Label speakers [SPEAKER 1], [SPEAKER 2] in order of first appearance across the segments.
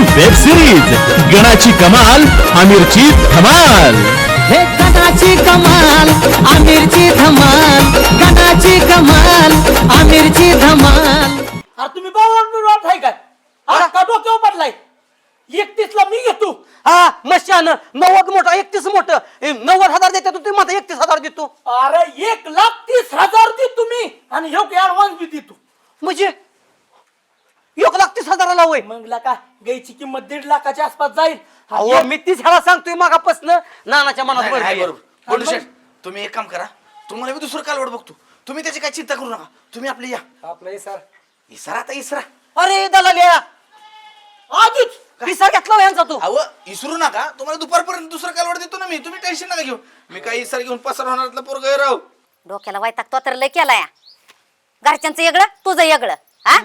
[SPEAKER 1] Web series गणाची कमाल आमिरची धमाल.
[SPEAKER 2] हे गणाची कमाल आमिरची धमाल, गणाची कमाल आमिरची धमाल.
[SPEAKER 3] अरे तुम्ही बावळट आहे काय? का डोक्यावर पडलाय? 31 ला मी घेतो.
[SPEAKER 4] हा मशान 90 मोठं 31 मोठं 90,000 देते तुम्ही मला 31,000 देतो.
[SPEAKER 3] अरे 1,30,000 दे तुम्ही आणि ह्यो ऍडव्हान्स बी देतो.
[SPEAKER 4] म्हणजे 1,30,000 होय.
[SPEAKER 3] मग का गायची किंमत 1.5 लाखाच्या आसपास जाईल.
[SPEAKER 4] अहो मी तीच ह्याला सांगतोय मागापासून नानाच्या मनात
[SPEAKER 5] नाही, नाही,
[SPEAKER 4] बरं
[SPEAKER 5] बरोबर बोलू शेठ. तुम्ही एक काम करा, तुम्हाला मी दुसरं कालवड बघतो. तुम्ही त्याची काही चिंता करू नका. तुम्ही आपले या
[SPEAKER 3] आपलं सर
[SPEAKER 5] इसरा आता इसरा.
[SPEAKER 4] अरे दलाल्या
[SPEAKER 3] आधीच
[SPEAKER 4] पिसा घेतला यांचा तू.
[SPEAKER 5] अहो इसरू नका. तुम्हाला दुपारपर्यंत दुसरं कालवड देतो ना मी. तुम्ही टेन्शन नका घेऊ. मी काही इसर घेऊन पसार होणार पोरग राहू.
[SPEAKER 6] डोक्याला वैताग तो तर लय केलाय. घरच्यांचं वेगळं तुझं वेगळं. हा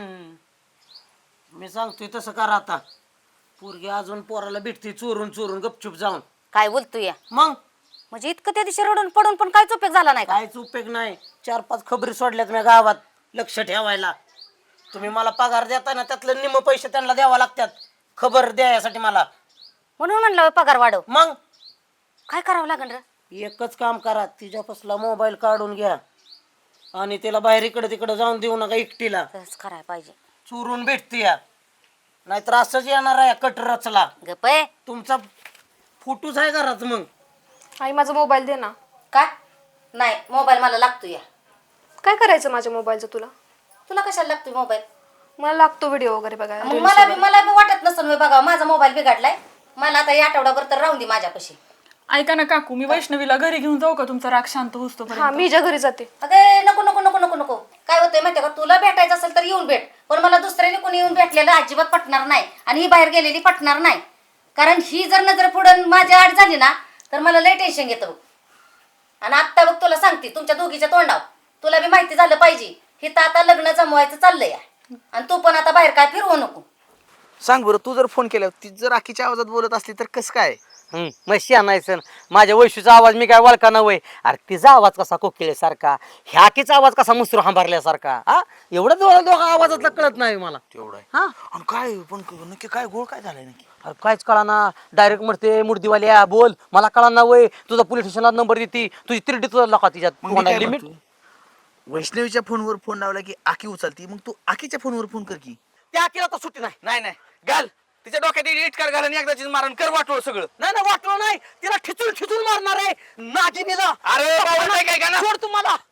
[SPEAKER 4] मी सांगतोय तसं करा आता. पोरगी अजून पोराला भेटते चोरून चोरून गपचूप जाऊन.
[SPEAKER 6] काय बोलतोय?
[SPEAKER 4] मग
[SPEAKER 6] म्हणजे इतकं त्या दिवशी रडून पडून पण काहीच उपयोग झाला नाही का?
[SPEAKER 4] काहीच उपयोग नाही. 4-5 खबरी सोडल्यात मी गावात लक्ष ठेवायला. तुम्ही मला पगार देता ना त्यातलं निम्म पैसे त्यांना द्यावा लागतात खबर द्यायसाठी मला.
[SPEAKER 6] म्हणून म्हणलं होय पगार वाढव.
[SPEAKER 4] मग
[SPEAKER 6] काय करावं लागेल रे?
[SPEAKER 4] एकच काम करा, तिच्यापासला मोबाईल काढून घ्या आणि तिला बाहेर इकडे तिकडे जाऊन देऊ नका एकटीला.
[SPEAKER 6] तसंच करायला पाहिजे.
[SPEAKER 4] चोरून भेटते या नाहीतर असंच येणार आहे कट रचला.
[SPEAKER 6] गप आहे.
[SPEAKER 4] तुमचा फोटोच आहे घरात. मग
[SPEAKER 7] आई माझा मोबाईल दे ना.
[SPEAKER 6] काय नाही मोबाईल मला लागतोय.
[SPEAKER 7] काय करायचं माझ्या मोबाईलचं तुला?
[SPEAKER 6] तुला कशाला लागतोय मोबाईल?
[SPEAKER 7] मला लागतो व्हिडिओ वगैरे बघायला.
[SPEAKER 6] मग मला बी वाटत नसेल बघा माझा मोबाईल बिघडलाय. मला आता या आठवडाभर तर राहून दे माझ्यापाशी.
[SPEAKER 8] ऐका ना काकू, मी वैष्णवीला घरी घेऊन जाऊ का? तुमचा राग शांत होतो
[SPEAKER 7] हा मी ज्या घरी जाते.
[SPEAKER 6] अगे नको नको नको नको नको. काय होतंय माहितीये का, तुला भेटायचं असेल तर येऊन भेट, पण मला दुसऱ्याने कोणी येऊन भेटलेलं अजिबात पटणार नाही आणि ही बाहेर गेलेली पटणार नाही. कारण ही जर नजर पुढं माझ्या आड झाली ना तर मला लय टेन्शन येतं बघ. आणि आत्ता बघ तुला सांगते तुमच्या दोघीच्या तोंडाव तुला बी माहिती झालं पाहिजे. हे तर आता लग्न जमवायचं चाललंय आणि तू पण आता बाहेर काय फिरवू नको.
[SPEAKER 5] सांग बरं, तू जर फोन केला ती जर आखीच्या आवाजात बोलत असली तर कसं काय?
[SPEAKER 4] मशी आणायचं. माझ्या वैशूचा आवाज मी काय वळका ना वय. अरे तिचा आवाज कसा कोकिळेसारखा, ह्याकीचा आवाज कसा मुसरू हंबारल्यासारखा. हा एवढं दोघा आवाजातलं कळत नाही मला.
[SPEAKER 5] तेवढं आहे.
[SPEAKER 4] हा
[SPEAKER 5] आणि काय पण नक्की काय गोळ काय झालाय नक्की?
[SPEAKER 4] अरे काहीच कळा ना. डायरेक्ट म्हणते मूर्तीवाल्या बोल. मला कळा ना वय. तुझा पोलीस स्टेशनला नंबर देते. तुझी तिरडी तुझा लका
[SPEAKER 5] मग मी काय
[SPEAKER 4] तिच्यात लिमिट.
[SPEAKER 5] म्हणतो, वैष्णवीच्या फोनवर फोन लावला की आखी उचलती, मग तू आखीच्या फोनवर फोन कर की.
[SPEAKER 4] त्या केला तर सुट्टी नाही.
[SPEAKER 5] नाही नाही घाल तिच्या डोक्यात इटकार घाल आणि एकदाचीच मारण कर वाटोळ सगळं.
[SPEAKER 4] नाही ना वाटलं नाही. तिला ठिचून ठिचून मारणार आहे नागिनीला.
[SPEAKER 5] अरे बाबा, नाही काय का ना?
[SPEAKER 4] सोड तुम्हाला.